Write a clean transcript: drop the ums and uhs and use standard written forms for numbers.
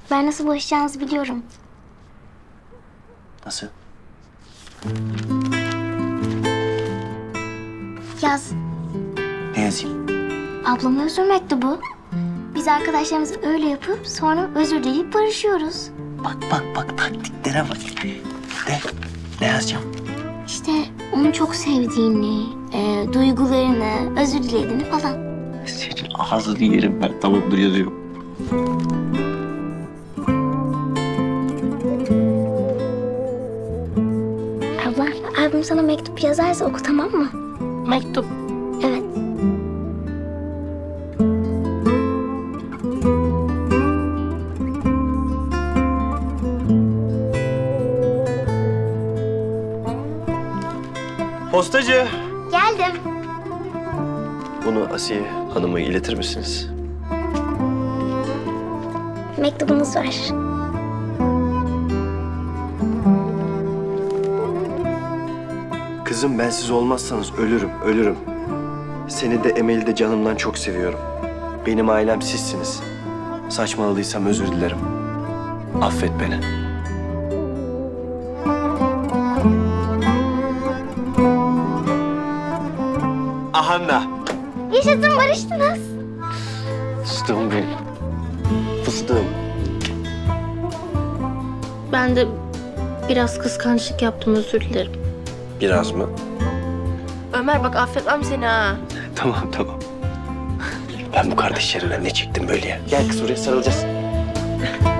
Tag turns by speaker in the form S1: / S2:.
S1: Ben nasıl barışacağınızı biliyorum.
S2: Nasıl?
S1: Yaz.
S2: Ne yazayım?
S1: Ablama özür mektubu. Biz arkadaşlarımız öyle yapıp sonra özür dileyip barışıyoruz.
S2: Bak taktiklere bak. Ne yazacağım?
S1: İşte onu çok sevdiğini, duygularını, özür dilediğini falan.
S2: Senin ağzını yerim ben. Tamamdır, yazıyorum.
S1: Abla, abim sana mektup yazarsa oku, tamam mı?
S3: Mektup.
S1: Evet.
S4: Postacı.
S1: Geldim.
S4: Bunu Asiye Hanım'a iletir misiniz?
S1: Mektubunuz var.
S4: Kızım, ben siz olmazsanız ölürüm. Seni de Emel'i de canımdan çok seviyorum. Benim ailem sizsiniz. Saçmaladıysam özür dilerim. Affet beni. Ahanna.
S1: Yaşasın, barıştınız.
S4: Fıstığım benim. Fıstığım.
S3: Ben de biraz kıskançlık yaptım, özür dilerim.
S4: Biraz mı?
S3: Ömer bak affetmem seni ha.
S4: Tamam. Ben bu kardeşlerimle ne çektim böyle ya? Gel kız, buraya sarılacağız.